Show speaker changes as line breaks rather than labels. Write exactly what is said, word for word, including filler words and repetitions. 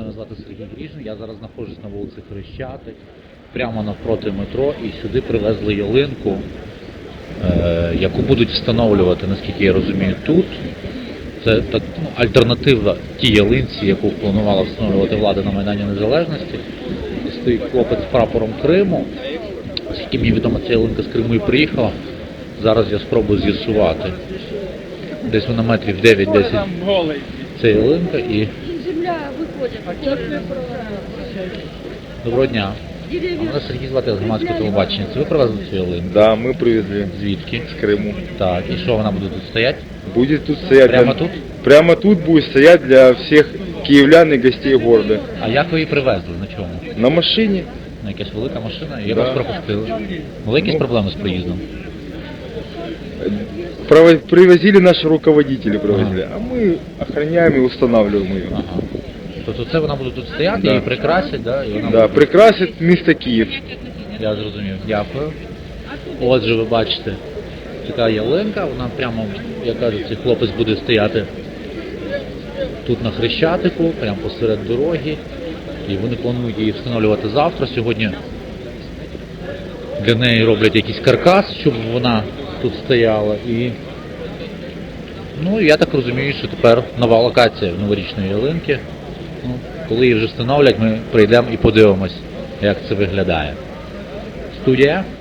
Мене звати Сергій Гріжин, я зараз знаходжусь на вулиці Хрещатик, прямо навпроти метро, і сюди привезли ялинку, е, яку будуть встановлювати, наскільки я розумію, тут. Це так, ну, альтернатива тій ялинці, яку планувала встановлювати влада на Майдані Незалежності. І стоїть хлопець з прапором Криму. Оскільки мені відомо, ця ялинка з Криму і приїхала, зараз я спробую з'ясувати. Десь вона метрів дев'ять-десять це ялинка і...
Земля виходить.
Доброго дня. А мене Сергій звати, з громадського телебачення. Це ви привезли цю ялинку?
Да, мы привезли
Звідки?
с Крыму.
Так, і що, вона буде тут стояти?
Будет тут стоять...
Прямо
для-
тут?
Прямо тут будет стоять для всех киевлян и гостей города.
А як ви її привезли? На чому?
На машине.
На якась велика машина? І як
Да.
вас пропустили? Були якісь
Ну.
проблеми з проїздом?
Прово- Привозили наши руководители, привозили. А мы охраняем и устанавливаем ее.
Ага. Тобто це вона буде тут стояти,
Да.
її прикрасять, да? І вона
Да,
буде...
прикрасит место Киев.
Я зрозумів. Дякую. Отже, ви бачите, така ялинка, вона прямо, як кажуть, цей хлопець буде стояти тут на Хрещатику, прямо посеред дороги. І вони планують її встановлювати завтра. Сьогодні для неї роблять якийсь каркас, щоб вона тут стояла. І, ну, я так розумію, що тепер нова локація новорічної ялинки. Ну, коли її вже встановлять, ми прийдемо і подивимось, як це виглядає. Студія.